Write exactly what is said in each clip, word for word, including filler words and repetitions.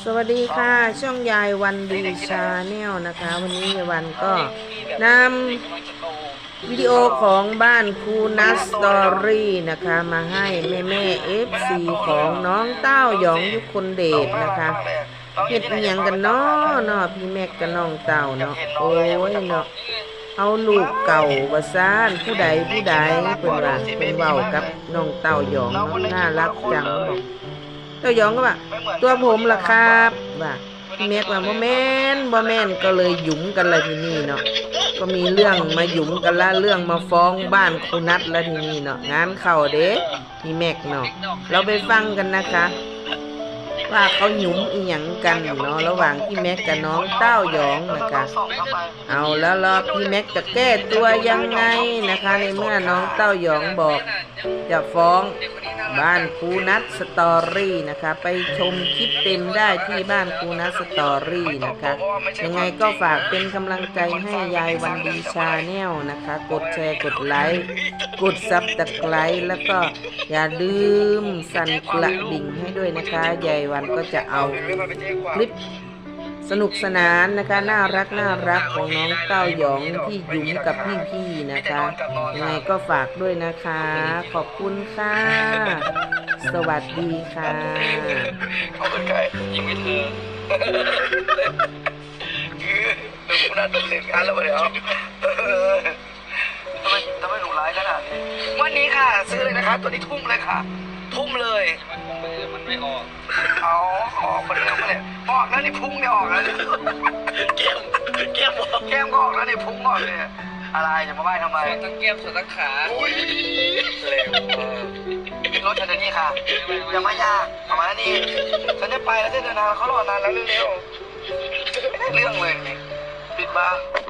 สวัสดีค่ะช่องยายวันดีชาแนลนะคะ วันนี้ยายวันก็นำวิดีโอของบ้านครูนัสสตอรี่นะคะมาให้แม่แม่เอฟซีของน้องเต้าหยองยุคนเดชนะคะเฮ็ดเอียงกันเนาะเนาะพี่แม็กกับน้องเต้าเนาะโอ้ยเนาะเอาลูกเก่าบาซ่านผู้ใดผู้ใดเป็นว่าเป็นเว้ากับน้องเต้าหยองเนาะน่ารักจังบอกเต้าหยองก็ว่าตัวผมล่ะครับว่าพี่แม็กว่าบ่แม่นบ่แม่นก็เลยหยุมกันเลยทีนี้เนาะก็มีเรื่องมาหยุมกันละเรื่องมาฟ้องบ้านครูนัทแล้วทีนี้เนาะงานเข้าเด้พี่แม็กเนาะเราไปฟังกันนะคะว่าเขาหยุมอีหยังกันเนาะระหว่างพี่แม็กกับน้องเต้าหยองนะคะเอาแล้วรอพี่แม็กจะแก้ตัวยังไงนะคะในเมื่อน้องเต้าหยองบอกจะฟ้องบ้านครูนัทสตอรี่นะคะไปชมคลิปเต็มได้ที่บ้านครูนัทสตอรี่นะคะยังไงก็ฝากเป็นกำลังใจให้ยายวันดีชาแนลนะคะกดแชร์กดไลค์กดซับตะไคร้แล้วก็อย่าลืมสั่นกระดิ่งให้ด้วยนะคะยายวันก็จะเอาคลิปสนุกสนานนะคะน่ารักน่ารักของน้องเต้าหยองที่หยุมกับพี่ๆนะคะยังไงก็ฝากด้วยนะคะขอบคุณค่ะสวัสดีค่ะเขาเป็นใครยิงไม่เธอคือดูคุณน่าตื่นเต้นกันแล้วเดี๋ยวทำไมทำไมหนูร้ายขนาดนี้วันนี้ค่ะซื้อเลยนะคะตัวนี้ทุ่มเลยค่ะทุ่มเลยมันไม่ออกเอาออกมาเร็วมาเลยออกแล้วนี่พุ่งเนี่ยออกแล้วแก้มแก้มออกแก้มก็ออกแล้วนี่พุ่งออกเลยอะไรจะมาบ้าทำไมตั้งแก้มส่วนตั้งขาเร็วรถฉันเดี๋ยวนี้ค่ะอย่ามายากเอามาแล้วนี่ฉันจะไปแล้วจะเดินทางเขารอนานแล้วเร็วๆไม่ได้เรื่องเลยปิดบ้า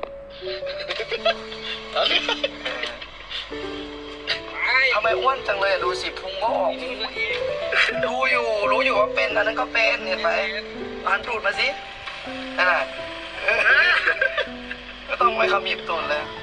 ทำไมอ้วนจังเลยดูสิพุงก็ออกดูอยู่รู้อยู่ว่าเป็นอันนั้นก็เป็นเห็นไหมอ่านตูดมาสินั่นแหละก็ต้องไปขมิบตูดเลย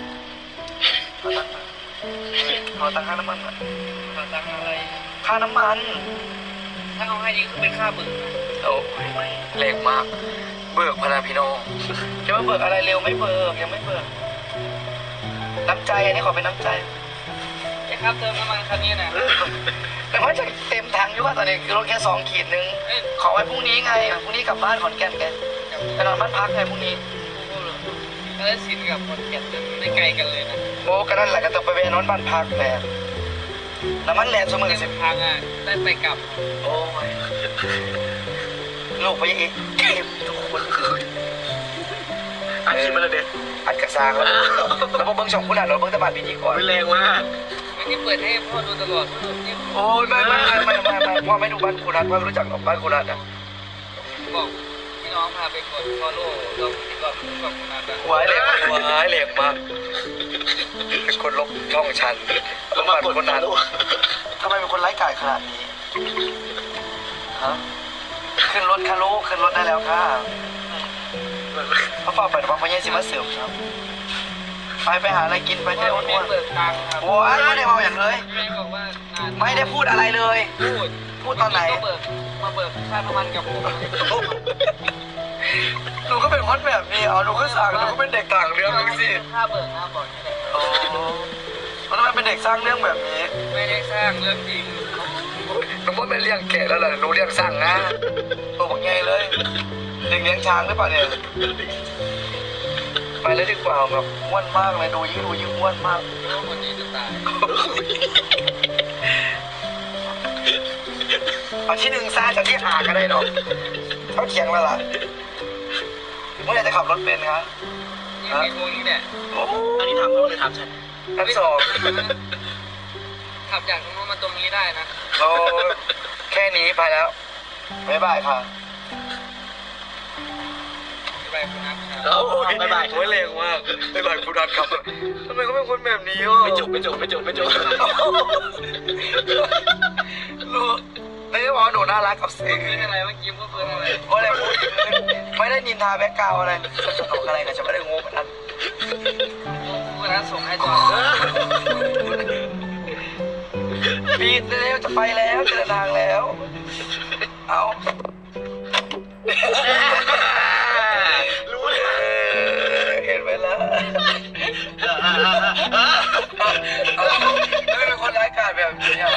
ขอตังค่าน้ำมันขอตังอะไรค่าน้ำมันถ้าเขาให้นี่คือเป็นค่าเบิกโอ้ยแรงมากเบิกพนาพี่น้องจะมาเบิกอะไรเร็วไม่เบิกยังไม่เบิกน้ำใจอันนี้ขอเป็นน้ำใจครับเติมน้ำมันคันนี้นะแต่ว่าจะเต็มถังอยู่ว่าตอนนี้รถแค่สองขีดนึงขอไว้พรุ่งนี้ไงพรุ่งนี้กลับบ้านขอนแก่นแกไปนอนบ้านพักไงพรุ่งนี้ก็ได้สินกับขอนแก่นไม่ไกลกันเลยนะโอ้ก็นั่นแหละก็ต้องไปเวนอนบ้านพักแหละแล้วมันแลนด์สมือสิบพังอ่ะได้ไปกลับโอ้ยลูกไปอีกเก็บทุกคนอัดคลิปมาเลยเด็ดอัดกระซังแล้วแล้วพอเบิ้งช่องคุณอ่ะเราเบิ้งตะบัดปีนี้ก่อนไม่แรงมากที่เปิดให้พ่อดูตลอดโอ้ยไม่ไม่ไม่ไม่ไม่พ่อไม่ดูบ้านคุณนัทพ่อไม่รู้จักหรอกบ้านคุณนัทอ่ะบอกพี่น้องพาไปกดฟอลโล่ลงที่ก่อนช่องคุณนัทอ่ะว้ายแรงว้ายแรงมากเป็นคนลบช่องฉันแล้วมาคนนัททำไมเป็นคนไร้กาจขนาดนี้ฮะขึ้นรถค่ะลูกขึ้นรถได้แล้วค่ะเขาฝากไปแต่ว่าพ่อใหญ่สิมาเสริมครับไปไปหาอะไรกินไปเที่ยวอ้วนๆโอ้ยไม่ได้เมาอย่างเลยไม่ได้พูดอะไรเลยพูดพูดตอนไหนมาเบิกค่าน้ำมันกับผมหนูก็เป็นคนแบบนี้อ๋อหนูก็สั่งหนูก็เป็นเด็กต่างเรื่องนึงสิค่าเบิกค่าบอกโอ้แล้วทำไมเป็นเด็กสร้างเรื่องแบบนี้ไม่ได้สร้างเรื่องจริงหนูว่าไม่เลี้ยงแกะแล้วล่ะหนูเลี้ยงสั่งนะตัวบอกไงเลยเด็กเลี้ยงช้างหรือเปล่าเนี่ยไปแล้วดีกว่าแบบอ้วนมากเลยดูยิ่งดูยิ่งอ้วนมากวันนี้จะตายเอาที่หนึ่งซาจากที่หากันได้เนาะเขาเขียงแล้วล่ะเมื่อไหร่จะขับรถเป็นครับนี่มีพวกนี้เนี่ยโอ้อันนี้ทำเขาเลยทำฉันอันสองขับจากตรงนู้นมาตรงนี้ได้นะโอ้แค่นี้ไปแล้วบ๊ายบายค่ะบ๊ายบายคุณนัทครับบ๊ายบายโอ้ยแรงมากบ๊ายบายคุณนัทครับทำไมเขาเป็นคนแบบนี้อ่ะไม่จบไม่จบไม่จบไม่จบรู้ไม่ได้บอกหนูน่ารักกับเสียงอะไรเมื่อกี้ก็เพื่อนอะไรไม่ได้พูดไม่ได้นินทาแบ็กกราวอะไรสนุกอะไรกันจะไม่ได้งงเหมือนนั้นคุณนัทส่งให้จอปีนแล้วจะไปแล้วจะเดินทางแล้วเอาไม่เป็นคนร้ายกาจแบบนี้อ่ะ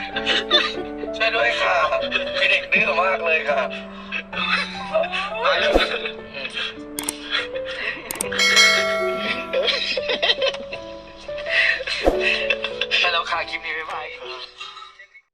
ช่วยด้วยค่ะมีเด็กดื้อมากเลยค่ะ